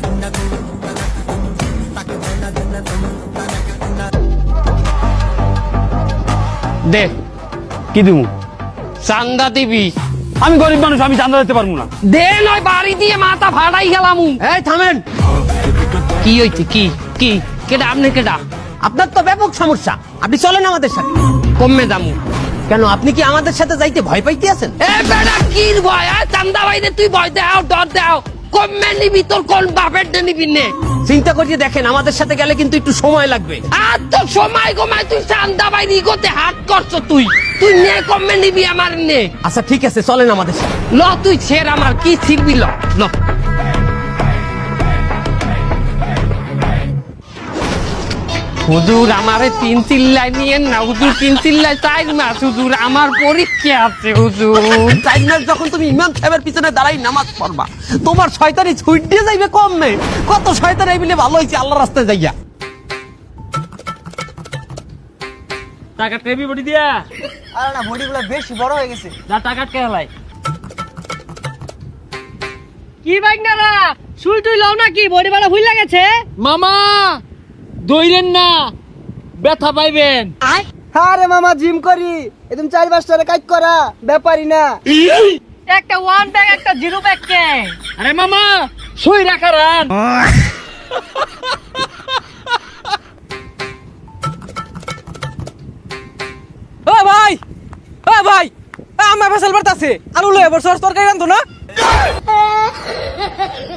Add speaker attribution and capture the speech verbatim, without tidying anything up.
Speaker 1: দে কি দিমু? চান্দা দিবি? আমি গরিব মানুষ, আমি চান্দা দিতে পারবো না। দে নয় বাড়ি দিয়ে মাথা ফাটাই গেলাম।
Speaker 2: এই থামেন।
Speaker 1: কি হইছে? কি কি কেডা? আপনি কেডা?
Speaker 2: আপনার তো ব্যাপক সমস্যা, আপনি চলেন আমাদের সাথে।
Speaker 1: কমে দামু
Speaker 2: কেন, আপনি কি আমাদের সাথে যাইতে ভয় পাইতে আছেন?
Speaker 1: এ বেটা কি ভয়? চান্দা বাইরে তুই ভয় দাও, ডর দাও। কমে নিবি? তোর কোন বাপের নিবি নে?
Speaker 2: চিন্তা করিয়ে দেখেন, আমাদের সাথে গেলে কিন্তু একটু সময় লাগবে।
Speaker 1: আর তো সময় কমায় তুই চান্দা বাইরে গোতে হাট করছো। তুই তুই নে কমে নিবি আমার নে।
Speaker 2: আচ্ছা ঠিক আছে, চলেন আমাদের সাথে।
Speaker 1: ল তুই ছেড়, আমার কি ছিড়বি? ল ল হুজুর আমারে তিন চিল্লাই নিয়েন না হুজুর, তিন চিল্লাই চাই মাস হুজুর, আমার পরীক্ষা আছে হুজুর।
Speaker 2: চার মাস যখন তুমি ইমাম সাহেবের পিছনে দাঁড়াই নামাজ পড়বা, তোমার শয়তানি ছুট দিয়ে যাইবে কম নেই। কত শয়তান এই মিলে ভালো হয়েছে আল্লাহ রাস্তায় যাইয়া।
Speaker 3: টাকা টেবি বডি দিয়া।
Speaker 4: আরে না, বডিগুলো বেশি বড় হয়ে গেছে।
Speaker 3: যা টাকা কে হলাই। কি বাইক না রা সুই টুই লাও নাকি? বডি বাড়া ভুল লাগেছে মামা। দইরেন না, ব্যথা পাইবেন।
Speaker 4: আরে মামা, জিম করি, একদম চার পাঁচটা কাজ করা ব্যাপারই না।
Speaker 3: একটা ওয়ান ব্যাগ একটা জিরো ব্যাগ কে? আরে মামা সুই রাখা রান।
Speaker 4: ও ভাই, ও ভাই, আমার ফসল বাড়তাছে, আলু লয়ে বসে তরকারি রান্ধো না।